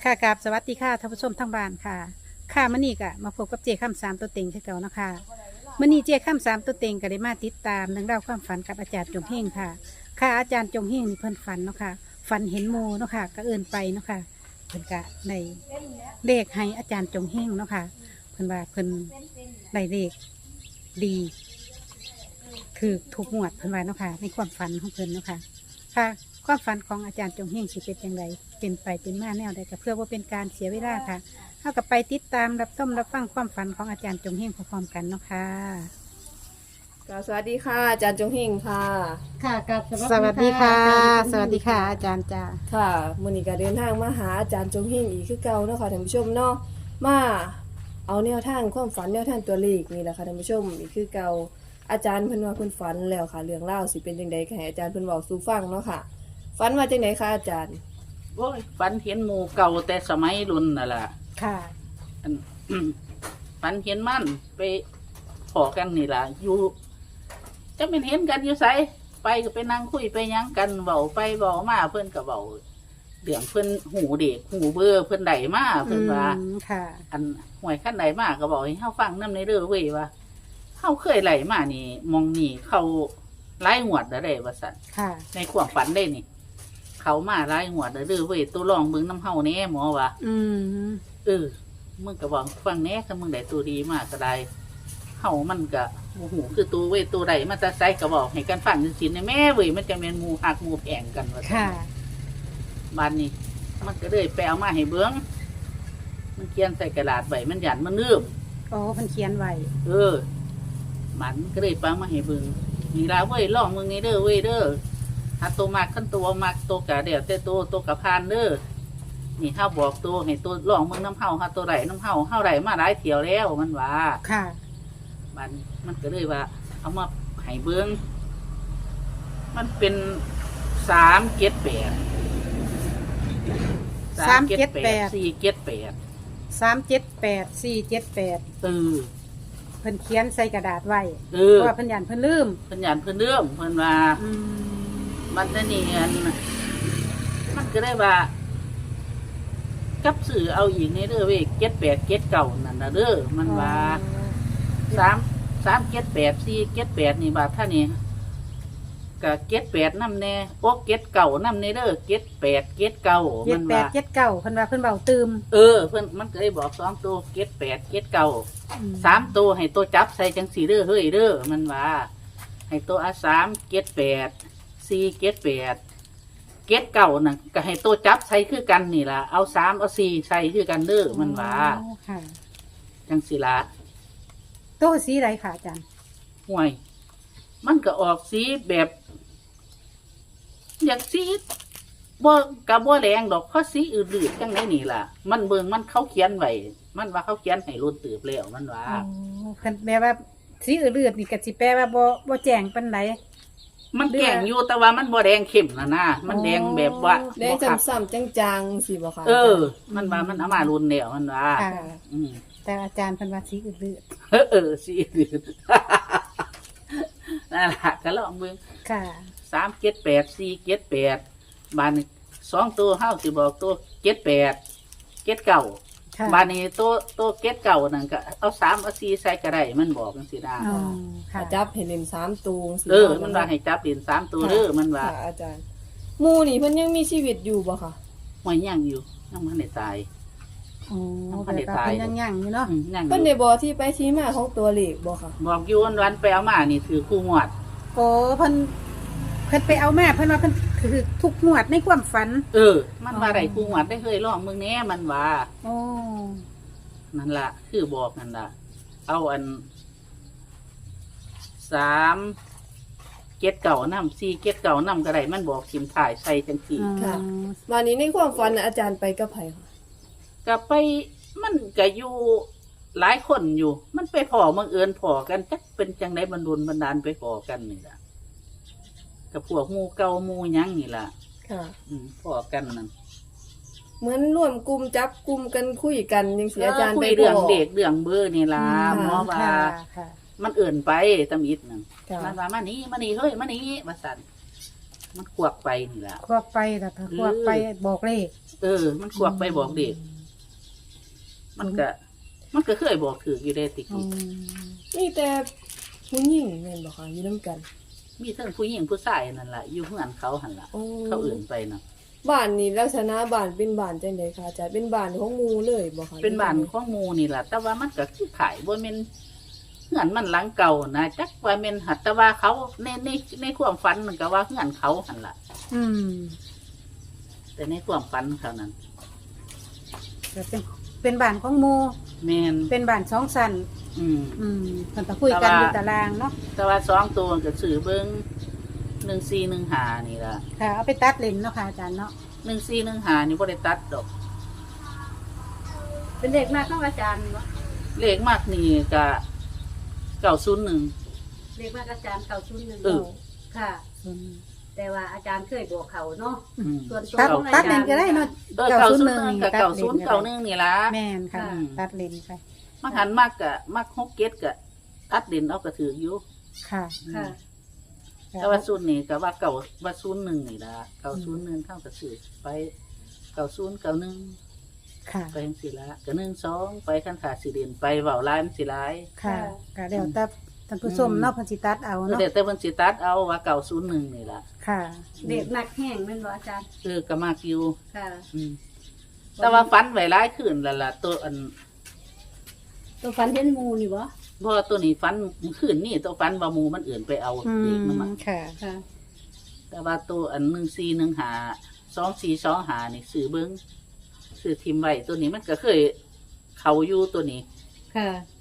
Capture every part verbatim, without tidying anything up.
ค่ะกราบสวัสดีค่ะท่านผู้ชมทั้งบ้านค่ะค่ะมื้อนี้ก็มาพบกับเจข้ามสามตัวเต็งคือเก่านะคะมื้อนี้เจข้ามสามตัวเต็งก็ได้มาติดตามเรื่องราวความฝันกับอาจารย์จงเฮงค่ะ ค่ะอาจารย์จงเฮงนี่เพิ่นฝันเนาะค่ะฝันเห็นโมเนาะค่ะก็เอิ้นไปเนาะค่ะเพิ่นก็ในเลขให้อาจารย์จงเฮงเนาะค่ะเพิ่นว่าเพิ่นได้เลขดีคือถูกงวดเพิ่นว่าเนาะค่ะในความฝันของเพิ่นเนาะค่ะค่ะความฝันของอาจารย์จงเฮงสิเป็นอย่างไรเป็นไปเป็นมาแนวใดก็เพื่อว่าเป็นการเสียเวลาค่ะเท่ากับไปติดตามรับชมรับฟังความฝันของอาจารย์จงเฮงพร้อมๆกันเนาะค่ะค่ะสวัสดีค่ะอาจารย์จงเฮงค่ะค่ะกับสวัสดีค่ะ สสวัวัสสดีดีค่ะค่ะอาจารย์จ้าค่ะมื้อนี้ก็เดินทางมาหาอาจารย์จงเฮงอีกคือเก่าเนาะค่ะท่านผู้ชมเนาะมาเอาแนวทางความฝันแนวทางตัวเลขนี่แหละค่ะท่านผู้ชมอีกคือเก่าอาจารย์เพิ่นว่าเพิ่นฝันแล้วค่ะเรื่องเล่าวสิเป็นจังไดก็ให้อาจารย์เพิ่นเว้าสู่ฟังเนาะค่ะฝันว่าจังไดคะอาจารย์โอ้ยฝันเห็นหมู่เก่าแต่สมัยรุ่นน่ะล่ะค่ะอัน ฝันเห็นมันไปพอกันนี่ล่ะ อยู่จะเป็นเห็นกันอยู่ไสไปก็ไปนั่งคุยไปหยังกันเบาไปเบามาเพิ่นก็เบาเรื่องเพิ่นหูเด็กหูเบอร์เพิ่นได้มาเพิ่นว่าอืมค่ะอันหวยขั้นใดมาก็บอกให้เฮาฟังนำในเด้อเว้ยว่าเฮาเคยไหลมานี่มองนี่เขาหลายงวดแล้วได้ว่าซั่นค่ะในความฝันได้นี่ เขามาหลายงวดแล้วเด้อเว้ยตัวรองเบิ่งน้ำเฮาแน่หมอว่าอืมเออมึงก็บอกฟังแน่ถ้ามึงได้ตัวดีมากก็ได้เฮามันก็โอ้โหคือตัวเว้ยตัวใดมันจะใส่ก็บอกให้กันฟังจริงๆในแม่เว้ยมันจะเป็นหมู่หักหมู่แพงกันว่าซั่นค่ะบ้านนี้ มันก็เลยไปเอามาให้เบิ่งมันเขียนใส่กระดาษไว้มันหยันมันลืมโอ้เพิ่นเขียนไว้เออ มันก็เลยปังมาให้เบิ่งนี่ล่ะเว้ยลองมึงนี่เด้อเว้ยเด้อถ้าตัวมากขั้นตัวมากตัวกะเดี๋ยวแต่ตัวตัวกะพานเด้อนี่เฮาบอกตัวให้ตัวลองมึงน้ำเฮาเฮาตัวไหลน้ำเฮาเฮาไหลมาหลายเที่ยวแล้วมันว่าค่ะมันมันก็เลยว่า เอามาให้เบิ่งมันเป็นสามเจ็ดแปดสามเจ็ดแปดสี่เจ็ดแปดสามเจ็ดแปดสี่เจ็ดแปดเออเพิ่นเขียนใส่กระดาษไว้เอเพอราะว่าเพิ่นยันเพิ่นลืมเพิ่นหยันเพิ่นเรื่องเพิ่นว่าอืมมันจะนี่อันมันก็ได้ว่า กับสื่อเอาอีกในเด้อเว้ยเจ็ดแปดเจ็ดเก่านั่นนะเด้อมันว่าสามสามเจ็ดแปดสี่เจ็ดแปดนี่บาทท่านี่กับเจ็ดแปดน้ำแน่โอ้เจ็ดเก่าน้ำในเด้อเจ็ดแปดเจ็ดเก่าเจ็มัดนแปดว่าเจ็ดเก้าเพิ่นว่าเพิ่นเบาตืมเออเพิ่นมันก็ได้บอกสองตัวเจ็ดแปดเจ็ดเก่าอืมสามตัวให้ตัวจับใส่จังสี่เด้อเฮ้ยเด้อมันว่า ให้ตัวอาสามเจ็ดแปดสี่เจ็ดแปดเจ็ดเก่าน่ะก็ให้ตัวจับใส่คือกันนี่ล่ะเอาสามเอาสี่ใส่คือกันเด้อมันว่าโอ้ค่ะจังสี่ละโต๊ะสีไรค่ะอาจารย์ห่วย มันก็ออกสีแบบ อยากสีบ่กับบ่แรงดอกเพราะสีอื่นๆจังไหนนี่ล่ะ มันเบิ่งมันเขาเขียนไว้มันว่าเขาเขียนให้รุ่นตืบแล้วมันว่าอ๋อเพิ่นแปลว่าสีอื่นๆนี่ก็สิแปลว่าบ่บ่แจ้งปานใดมันแก่งอยู่แต่ว่ามันบ่แดงเข้มนะนะมันแดงแบบว่าได้บ่คักซ้ำๆจางๆสิบ่คะเออ มันว่ามันเอามารุนแล้วมันว่าค่ะอืมแต่อาจารย์เพิ่นว่าสีอื่นเออเออสีอื่น นั่นล่ะก็ลองเบิ่งๆค่ะสามเจ็ดแปดสี่เจ็ดแปดบานนี้สองตัวเฮาสิบอกตัวเจ็ดแปดเจ็ดเก่าค่ะบานนี้ตัวตัวเจ็ดเก่านั่นก็เอาสามเอาสี่ใส่ก็ได้มันบอกจังซี่นะอ๋อค่ะจับเห็นเล่นสามตัวสิเออ มันว่าให้จับเหรียญสามตัวเด้อมันว่าค่ะอาจารย์หมู่นี่เพิ่นยังมีชีวิตอยู่บ่คะหวยย่างอยู่ยังมันได้ตายอ๋อมันแบได้บว่าตายเป็นยังๆอยู่เนาะอืมย่างอเพิ่นยู่ได้บอกที่ไปที่มาของตัวเลขบ่คะบอกอยู่วันวันๆไปเอามานี่ถือคู่งวดโอ้เพิ่นเพิ่นไปเอาแม่เพิ่นว่าเพิ่นคือทุกงวดในความฝันเออ มันว่าได้คู่งวดได้เคยลองมึงแน่มันว่าโอ้นั่นละคือบอกนั่นละเอาอันสามเก็ดเก่าน้ำสี่เก็ดเก่าน้ำก็ได้มันบอกสิมถ่ายใส่จังสี่อ๋อวันนี้ในความฝันน่ะอาจารย์ไปกับไผคะก็ไปมันก็อยู่หลายคนอยู่ มันไปพอมังเอิญพอกันจักเป็นจังไดบรรลุบันดาลไปพอกันนี่ล่ะกับพวกหมูเก่าหมูหยังนี่ล่ะค่ะอืมพอกันนั่นเหมือนร่วมกลุ่มจับกลุ่มกันคุยกันจังซี่อาจารย์คุไปยเรื่องบอกเด็กเรื่องเบอร์นี่ล่ะอืมหมอว่าค่ะค่ะมันเอิ่นไปตำอิดนั่นค่ะมันว่ามานี่มานี่เฮ้ยมานี่มาสั่นมันกวักไปนี่ล่ะควักไปแต่ถ้าควักไปบอกเลขเออ มันกวักไปบอกเด็กมันก็มันก็เคยบอกถืออยู่ได้ติอืกี้มนี่แต่ผู้หญิงแม่นบ่คะอยู่นํกันมีทั้งผู้หญิงผู้ชายนั่นล่ะอยู่เฮือนเขาหั่นล่ะโอ้เขาอื่นไปเนาะบ้านนี่ลักษณะบ้านเป็นบ้านจังไดคะอาจารย์เป็นบ้านของหมู่เลยบ่คะเป็นบ้านของหมู่นี่ล่ะแต่ว่ามันก็คือขายบ่แม่นเฮือนมันหลังเก่านะจักว่าแม่นหัดแต่ว่าเขาในในในความฝันมันก็ว่าเฮือนเขาหั่นล่ะอืมแต่ในความฝันเขานั้นก็เป็นเป็นบ้านของหมู่แม่นเป็นบ้านสองชั้นอืมอืมเพิ่นก็คุยกันอยู่ตารางเนาะแต่ว่าสองตัวก็ซื้อเบิ่งหนึ่งสี่หนึ่งห้านี่ล่ะค่ะเอาไปตัดเลนเนาะค่ะอาจารย์เนาะหนึ่งสี่หนึ่งห้านี่บ่ได้ตัดดอกเป็นเด็กมากของอาจารย์เนาะเลขมากนี่ก็เก้าศูนย์หนึ่งเรียกว่าอาจารย์เก่าชุดหนึ่งเออค่ะอืมแต่ว่าอาจารย์เคยบอกเขาเนาะอืมส่วนตัวตัดของอาตัดจารเลนย์ก็ได้เนาะเออเก้าศูนย์หนึ่งกับเก้าศูนย์เก้าหนึ่งนี่ล่ะแม่นค่ะอืมตัดเลนไปมักหันมากกะมักฮกเก็ตกะตัดเด่นเอากระถืออยู่ค่ะค่ะแต่ว่าศูนย์นี่ก็ว่าเก่าว่าศูนย์หนึ่งนี่ล่ะเก้าศูนย์หนึ่งเท่ากับสื่อไปเก้าศูนย์เก้าหนึ่งค่ะไปยังสี่ละก็หนึ่งสองไปขั้นขาสี่เด่นไปเบาล้านสี่ร้ายค่ะก็เดี๋ยวแต่ท่านผู้ชมเนาะเพันสิตัดเอาเออเนาะเดี๋ยวแต่เพิ่นสิตัดเอาว่าเก้าศูนย์หนึ่งนี่ล่ะค่ะเด็กหนักแห้งแม่นบ่อาจารย์เออก็มากอยู่ค่ะอืมแต่ว่าฟันไว้ร้ายขึ้นและล่ะตัวอันตัวฟันเห็นหมูนี่บ่เพราะว่าตัวนี้ฟันขึ้นนี่ตัวฟันบามูมันอื่นไปเอาอืเด็กมันมมาค่ะค่ะแต่ว่าตัวอันหนึ่งสี่หนึ่งหาสองสี่สองหานี่ซื้อเบิ้งซื้อทิมไว้ตัวนี้มันก็เคยเขาอยู่ตัวนี้ค่ะ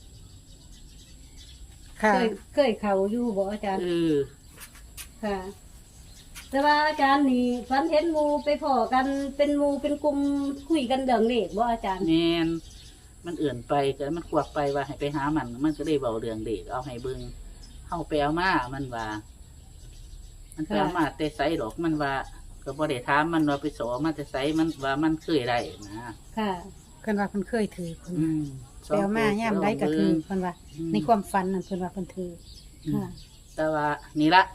ค่ะเคยเคยเขาอยู่บ่อาจารย์เออค่ะ แต่ว่าอาจารย์นี่ฟันเห็นหมูไปพอกันเป็นหมูเป็นกลุ่มคุยกันเรื่องเลขบ่อาจารย์แมนมันเอื่นไปก็มันควักไปว่าให้ไปหามัน มันก็ได้เบาเรื่องเด็กเอาให้เบิ้งเข้าไปเอามามันว่า มันไปเอามาแต่ไซดอกมันว่า ก็บ่ได้ถามมันว่าไปสอมาแต่ไซมันว่ามันเคยได้นะค่ะเพิ่นว่าเพิ่นเคยถือเพิ่นอืมไปเอามาย่ามได้ก็คือเพิ่นว่ามในความฝันนั่นเพิ่นว่าเพิ่นถืออืมค่ะแต่ว่านี่ละ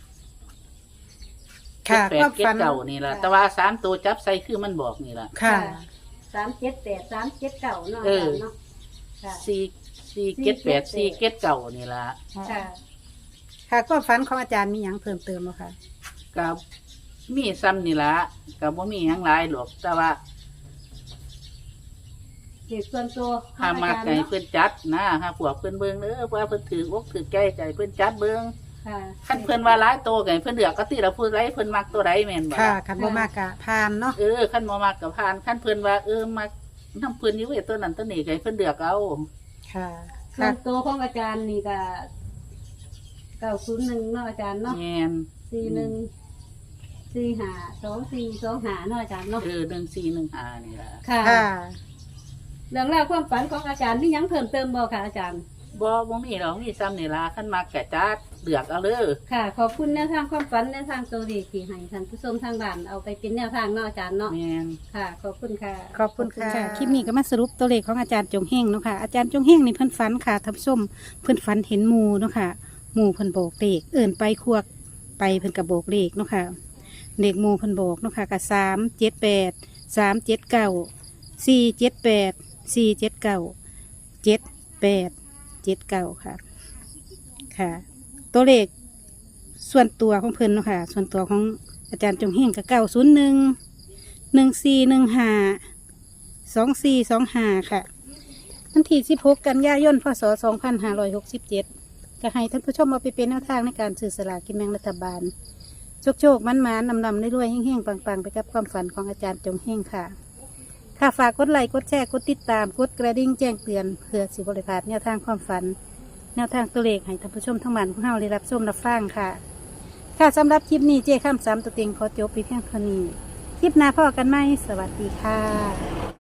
ค่ะแปคดวามเก็ดฝันเก่านี่ละแต่ว่าสามตัวจับใส่คือมันบอกนี่ละค่ะสามเจ็ดแปดสามเจ็ดเก่าเนาะเออาอจารย์เนาะค่ะสี่สี่เก็ดแปดสี่เก็ดเก่านี่ละค่ะค่ะความฝันของอาจารย์มีหยังเพิ่มเติมบ่คะกับมีซ้ำนี่ละกับว่ามีหยังหลายหรอกแต่ว่าเหตุส่วนตัวของหาอามาจารย์ไก่เนาะเพื่อนจัดนะหาพวกเพื่อนเบิ้งเด้อว่าเพื่อนถืออกถือใจใจเพื่อนจัดเบิ้งค่ะขั้นเพื่อนว่าหลายโตไก่เพื่อนเดือกก็ตีเราพูดไรเพื่อนมักตัวไรแม่นบ่ค่ะคันบ่มากกะผ่านเนาะเออขั้นบ่มักกับพานขั้นเพื่อนว่าเออมักน้ำเพื่อนอยู่เวยตัวนั้นตัวนี้ไก่เพื่อนเดือกเอาค่ะส่วนตัวของอาจารย์นี่ก็เก้าศูนย์หนึ่งเนาะอาจารย์เนาะแม่นสี่หนึ่งสี่หาสองสี่สองหาเนาะอาจารย์เนาะเออหนึ่งสี่หนึ่งห้านี่ละค่ะค่ะเรื่องราวความฝันของอาจารย์มีหยังเพิ่มเติมบ่ค่ะอาจารย์บ่บ่มีหรอกมีซ้ำนี่ละขั้นมักกะจัดเดือกเอาเลยค่ะ ขอบคุณแนวทางความฝันแนวทางตัวดีที่ให้ท่านผู้ชมทางบ้านเอาไปเป็นแนวทางเนาะอาจารย์เนาะแม่นค่ะ ขอบคุณค่ะขอบคุณค่ะ คลิปนี้ก็มาสรุปตัวเลขของอาจารย์จงเฮงเนาะค่ะ อาจารย์จงเฮงนี่เพิ่นฝันค่ะท่านผู้ชมเพิ่นฝันเห็นหมูเนาะค่ะหมูเพิ่นโบกเลขเอิ่นไปควักไปเพิ่นกับโบกเลขเนาะค่ะเด็กหมูเพิ่นโบกเนาะค่ะกับสามเจ็ดแปดสามเจ็ดเก้าสี่เจ็ดแปดสี่เจ็ดเก้าเจ็ดแปดเจ็ดเก้าค่ะ ค่ะ ตัวเลขส่วนตัวของเพิ่นเนาะค่ะ ส่วนตัวของอาจารย์จงเฮงกับเก้าศูนย์หนึ่งหนึ่งสี่หนึ่งห้าสองสี่สองห้าค่ะวันที่สิบหกกันยายนพศสองพันห้าร้อยหกสิบเจ็ดก็ให้ท่านผู้ชมเอาไปเป็นแนวทางในการสื่อสลากกินแบ่งรัฐบาล โชคโชคมันมานำนำได้รวยๆแห้งๆปังๆ ไปกับความฝันของอาจารย์จงเฮงค่ะ ค่ะฝากกดไลค์กดแชร์กดติดตามกดกระดิ่งแจ้งเตือนเพื่อสิบริพลาดแนวทางความฝัน แนวทางตัวเลขให้ท่านผู้ชมทั้งบ้านของเฮาได้รับชมรับฟังค่ะ ค่ะสำหรับคลิปนี้เจ้ข้ามสามตัวเต็งขอจบไปเพียงเท่านี้ คลิปหน้าพ่อกันไหมสวัสดีค่ะ